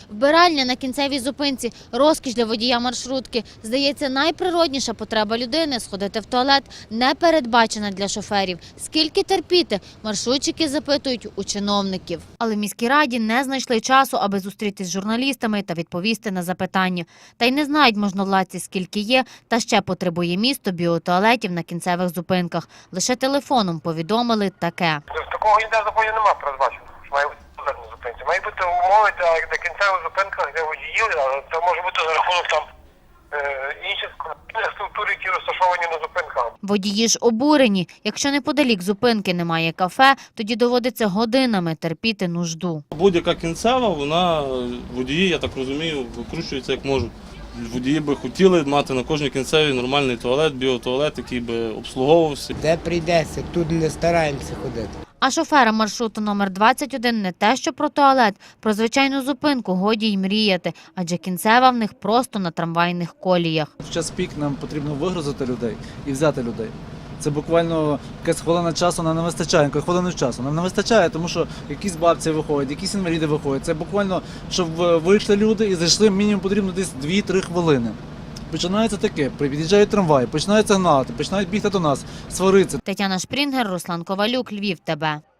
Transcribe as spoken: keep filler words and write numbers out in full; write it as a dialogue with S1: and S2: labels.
S1: Вбиральня на кінцевій зупинці – розкіш для водія маршрутки. Здається, найприродніша потреба людини – сходити в туалет – не передбачена для шоферів. Скільки терпіти? Маршрутчики запитують у чиновників. Але в міській раді не знайшли часу, аби зустрітись з журналістами та відповісти на запитання. Та й не знають можновладці, скільки є, та ще потребує місто біотуалетів на кінцевих зупинках. Лише телефоном повідомили таке.
S2: Такого ніде в законі немає передбачено, що має бути туалет на зупинці. Має бути умови для, для кінцевих зупинках, де водіїв, але це може бути за рахунок там е, інших структур, які розташовані на зупинках.
S1: Водії ж обурені. Якщо неподалік зупинки немає кафе, тоді доводиться годинами терпіти нужду.
S3: Будь-яка кінцева, вона, водії, я так розумію, викручуються як можуть. Водії би хотіли мати на кожній кінцевій нормальний туалет, біотуалет, який би обслуговувався.
S4: Де прийдеться, тут не стараємося ходити.
S1: А шоферам маршруту номер двадцять один не те, що про туалет, про звичайну зупинку годі й мріяти, адже кінцева в них просто на трамвайних коліях.
S5: В час пік нам потрібно вигрузити людей і взяти людей. Це буквально якась хвилина часу нам не вистачає, якої хвилини часу нам не вистачає, тому що якісь бабці виходять, якісь інваліди виходять. Це буквально, щоб вийшли люди і зайшли, мінімум потрібно десь дві-три хвилини. Починається таке, під'їжджають трамваї, починаються гнати, починають бігти до нас, сваритися.
S1: Тетяна Шпрінгер, Руслан Ковалюк, Львів, ТБ.